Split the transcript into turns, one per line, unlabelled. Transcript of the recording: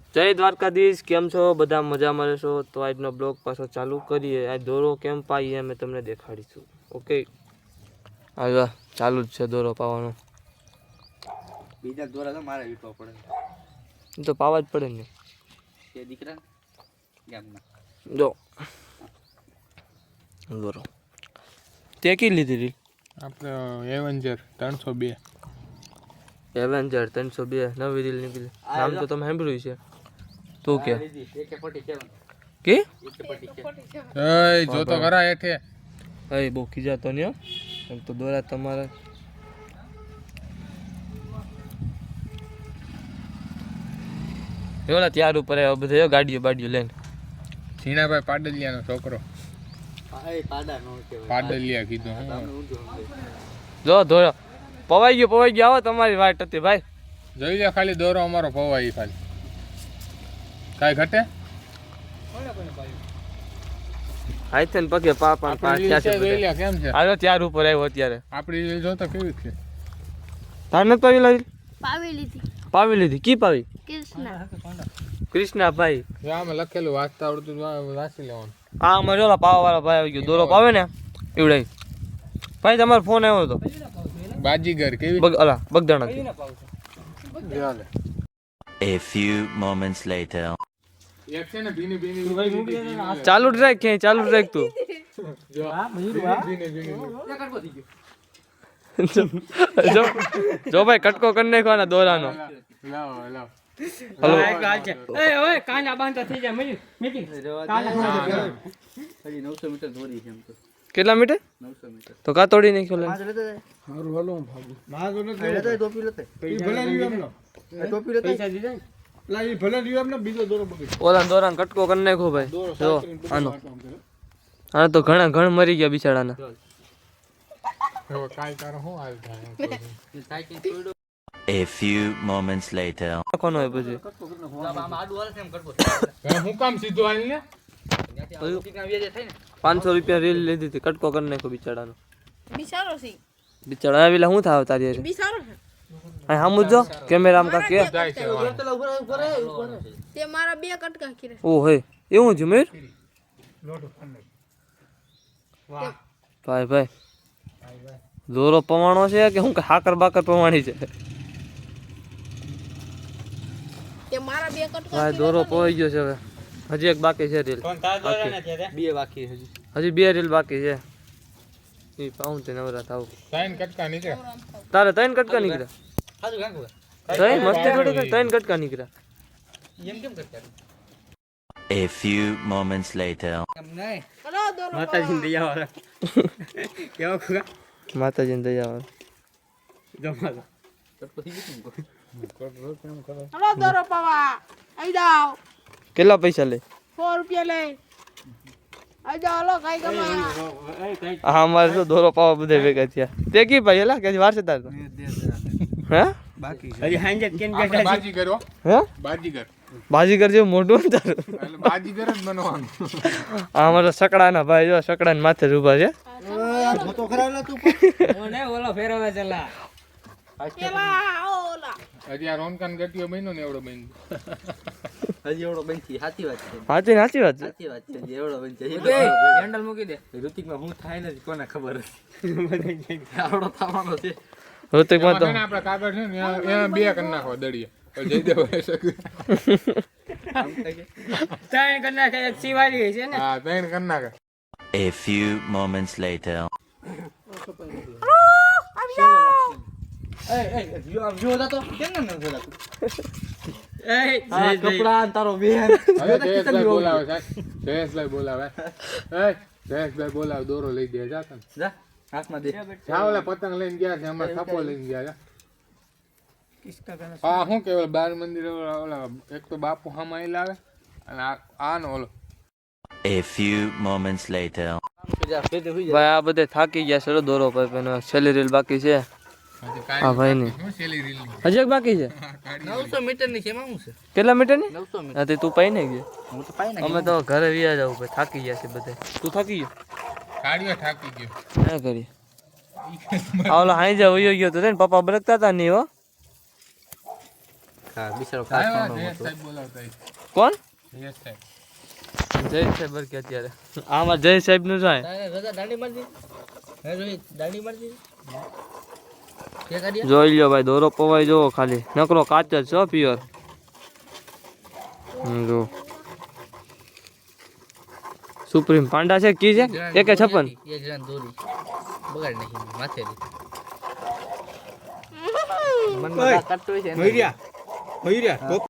જય દ્વારકાધીશ, કેમ છો બધા? મજામાં રહેશો તો આજનો બ્લોગ પાછો ચાલુ કરીએ. આ દોરો કેમ પાઈએ અમે તમને દેખાડીશું. ઓકે, હવે ચાલુ જ છે દોરો પાવાનો.
બીજા દોરા તો મારે વીટવા પડે,
તો પાવા જ પડે ને
તે દીકરા ગામના.
જો દોરો તે કી લીધી હતી
આપણે એવેન્જર 302
એવેન્જર 302 નવી રીલ નીકળી. નામ તો તમે સાંભળ્યું છે. તું કે કે
એ જો તો ખરા હેઠે
એ બહુ ખીજાતો નહીં હો. એમ તો દોરા તમારા એવડા ત્યાર ઉપર આવ્યો બધે ગાડીઓ બાડીઓ લઈને.
ઝીણાભાઈ પાડલિયાનો છોકરો. પાડલિયા કીધું.
જો દોરો પવાઈ ગયો આવો તમારી વાટ હતી ભાઈ.
જોઈ લે ખાલી દોરો અમારો પવાઈ ખાલી કાઈ ઘટે
હાથે ને પગે પા
જોઈ લે કેમ છે.
આવ્યો ત્યાર ઉપર આવ્યો અત્યારે.
આપણી રીલ જો તો કેવી છે.
તાર નથી પાવી લાવી? પાવી લીધી. કી પાવી? કૃષ્ણા ભાઈ.
જો આમાં લખેલું વાંચતા આવડતું વાંચી લેવાનું.
આ અમારે ઓલા પાવા વાળા ભાઈ આવી ગયો. દોરો પાવે ને એવડાય. ભાઈ તમારો ફોન આવ્યો હતો.
બાજીગર કેવી
Bagdana.
A few moments later.
એક છે ને ભીની ભીની
ચાલુ જ રાખ, ક્યાંય ચાલુ જ રાખ તું. જો ભાઈ કટકો કરી નાખવાના દોરાનો.
લાવો
હલો
હજી 900 મીટર દોરી છે એમ તો.
કેટલા મીટર?
900 મીટર.
તો કા તોડી નાખ્યો લે.
હારું હાલો હું ભાગું. માગો ન
ટોપી લેતે.
ભલે રહ્યું એમનો.
ટોપી લેતે. પૈસા દીધા ને.
લા ઈ ભલે રહ્યું એમને બીજો દોરો બગડી.
ઓલા દોરાનો કટકો કરી નાખ્યો ભાઈ. જો આનો તો ઘણ મરી ગયા બિચારાના.
હવે કાઈ તારો હું હાલ થાય.
સાયકલ તોડ્યો.
A few moments later.
નાખવાનો હોય પછી.
આમ આડું હાલે છે એમ કરતો.
હું કામ સીધું હાલ ને
500 રૂપિયા રીલ લીધી હતી. કટકો કરી નાખ્યો બિચારાનો.
બિચારો છે.
બિચારા આવેલા શું થાવ તારી હારે?
બિચારો છે.
હા સામું જો કેમેરામાં કા કે
જાય છે
તે મારા બે કટકા કીરે.
ઓ હે એવું છે મેર. ભાઈ દોરો પવાણો છે કે હું હાકર બાકર પવાણી છે?
તે મારા બે કટકા
ભાઈ દોરો પવાઈ ગયો છે. હવે હજી એક બાકી છે રીલ.
બે બાકી હજી.
હજી 2 રીલ બાકી છે. એ પાઉં તે નવરા થાવ.
સાઈન કટકા નીકળે.
તારે 3 કટકા નીકળ્યા.
હાજુ ગાંગો.
તઈ મસ્તી થોડી કર. 3 કટકા નીકળ્યા.
એમ કેમ કરતા?
A few moments later.
એમ નહીં.
હલો દોરો.
માતાજીને દયા વાળા. કેવો ખુગા?
માતાજીને દયા.
જમા. તો પછી ગીતું કો.
હલો દોરો પાવા. આઈ જાઓ.
કેટલા પૈસા લે?
100 રૂપિયા લે. આઈ જાઓ હલો કાઈ કમા.
હા અમારે તો દોરો પાવા બધે ભેગા થયા. તે કી ભાઈ એલા કે વાર છે તાર તો? હે
બાકી
હજી હાંજે કેન બેઠા બાજી કરો.
હે
બાજીગર.
બાજીગર જેવું મોઢું ને તારું.
એટલે બાજીગર જ બનવાનું.
આ અમારા સકડાના ભાઈ જો સકડાને માથે જ ઊભા છે.
તો ખરાવલા તું ઓને ઓલો ફેરવે ચલા.
પેલા ઓલા.
હજી આ રોનકાન ગટિયો બન્યો ને એવડો બન્યો.
હજી એવડો બનતી સાચી વાત છે.
સાચી વાત છે.
સાચી વાત છે. હજી એવડો બનશે. હેન્ડલ મૂકી દે. ઋતિકમાં હું થાય નથી કોને ખબર હતી. આવડો થવાનો છે.
ઋતિકમાં તો
આપણે કાગળ છે ને એમાં બે કરી નાખો દડીએ. જયદેવ હોય શકે.
ત્રણ કરના છે શિવાજી છે ને.
હા ત્રણ કરી નાખે.
A few moments later.
જો દાતો કેમ ન જોડાતું. કપડા તારો બેન.
હવે જયેશભાઈ બોલાવે સાહેબ. જયેશભાઈ બોલાવે. જયેશભાઈ બોલાવે દોરો લઈ દે જા તને.
જા હાથમાં દે.
જા ઓલા પતંગ લઈને ગયા છે અમાર થપ્પો લઈને ગયા જા. હા શું કે બાર મંદિર ઓલા એક તો બાપુ હામાં લાવે અને આ નો ઓલો.
A few moments later.
ભાઈ આ બધે થાકી ગયા છે. દોરો ભાઈ છેલ્લી રીલ બાકી છે. હા ભાઈ ની હજી એક બાકી છે.
900 મીટર ની છે એમાં શું છે?
કેટલા મીટર ની?
900 મીટર.
હા તે તું પાઈ ને ગયો.
હું તો પાઈ
અમે તો ઘરે વ્યા જાવ ભાઈ. થાકી ગયા છે બધે. તું થાકી ગયો?
કાઢ્યો થાકી ગયો.
ના કરી આ ઓલો હાઈ જા વયો ગયો તો ને પપ્પા બરકતા હતા નહીં હો.
હા બિચારો
આવ્યા,
કાચનો
જયેશ
હતો.
સાહેબ બોલાવતા હોય.
કોણ
જયેશ સાહેબ.
જય સાહેબ કે અત્યારે આમાં જય સાહેબ નું જાય જોઈ લ્યો ભાઈ દોરો પવાઈ જોવો ખાલી નકરો કાચ જ છો પ્યોર જો સુપ્રીમ પાંડા છે કી છે એકે 56
મનમાં કાટતો હોય છે એને.